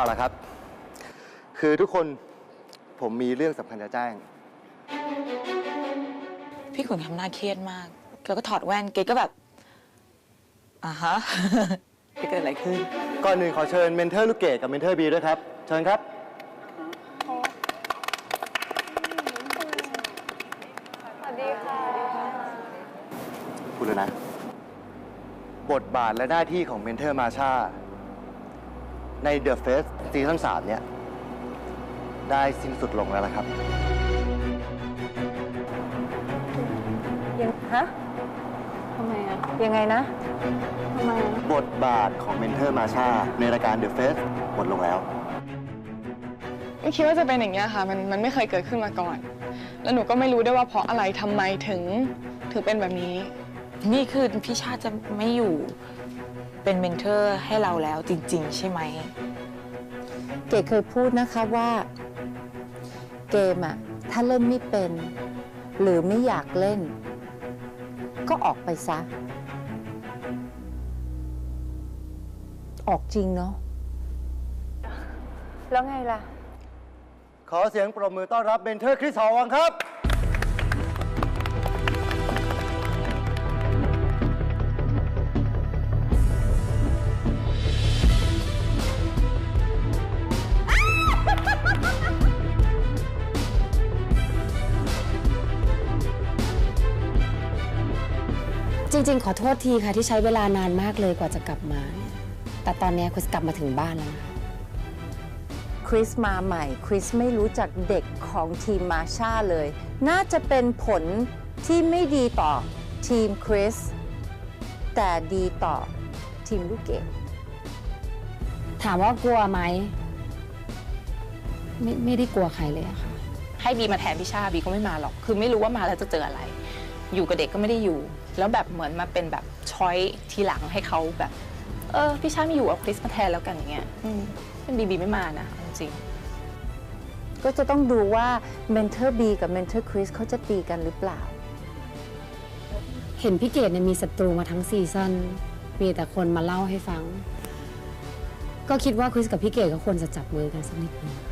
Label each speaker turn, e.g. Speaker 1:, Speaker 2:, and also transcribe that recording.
Speaker 1: เอาละครับ คือทุกคนผมมีเรื่องสำคัญจะแจ้ง
Speaker 2: พี่ขุนทำหน้าเครียดมากแล้วก็ถอดแว่นเกดก็แบบฮะ จะเกิดอะไรขึ้น
Speaker 1: ก่อนหนึ่งขอเชิญเมนเทอร์ลูกเกดกับเมนเทอร์บีด้วยครับ เชิญครับ
Speaker 3: สวัสดีค่ะ
Speaker 1: พูดเลยนะ บทบาทและหน้าที่ของเมนเทอร์มาชาใน The Face ซีซั่น3เนี่ย ได้สิ้นสุดลงแล้วละครับ
Speaker 3: ฮะทำไมอะยังไงนะทำไมอะ
Speaker 1: บทบาทของเมนเทอร์มาชาในรายการ The Face หมดลงแล้ว
Speaker 4: ไม่คิดว่าจะเป็นอย่างนี้ยค่ะมันไม่เคยเกิดขึ้นมาก่อน แล้วหนูก็ไม่รู้ด้วยว่าเพราะอะไรทำไมถึงเป็นแบบนี้
Speaker 2: นี่คือพี่ชาติจะไม่อยู่เป็นเมนเทอร์ให้เราแล้วจริงๆใช่ไหม
Speaker 5: เก๋เคยพูดนะคะว่าเกมอะถ้าเล่นไม่เป็น หรือไม่อยากเล่น ก็ออกไปซะ ออกจริงเนาะ
Speaker 3: แล้วไงล่ะ
Speaker 1: ขอเสียงปรบมือต้อนรับเมนเทอร์คริสหอวังครับ
Speaker 6: จริงๆ ขอโทษทีค่ะที่ใช้เวลานานมากเลยกว่าจะกลับมาเนี่ยแต่ตอนนี้คริสกลับมาถึงบ้านแล้วนะคะ
Speaker 5: คริสมาใหม่ คริสไม่รู้จักเด็กของทีมมาชาเลย น่าจะเป็นผลที่ไม่ดีต่อทีมคริส แต่ดีต่อทีมลูกเกด
Speaker 6: ถามว่ากลัวไหมไม่ได้กลัวใครเลยอะค่ะ
Speaker 7: ให้บีมาแทนพี่ชาบีก็ไม่มาหรอก คือไม่รู้ว่ามาแล้วจะเจออะไร อยู่กับเด็กก็ไม่ได้อยู่ แล้วแบบเหมือนมาเป็นแบบช้อยทีหลังให้เขาแบบ พี่ชาไม่อยู่เอาคริสมาแทนแล้วกันอย่างเงี้ยเป็นบีไม่มานะจริง
Speaker 5: ก็จะต้องดูว่าเมนเทอร์บีกับเมนเทอร์คริสเขาจะตีกันหรือเปล่า
Speaker 6: เห็นพี่เกดเนี่ยมีศัตรูมาทั้งซีซั่นมีแต่คนมาเล่าให้ฟัง ก็คิดว่าคริสกับพี่เกดก็ควรจะจับมือกันสักนิดนึง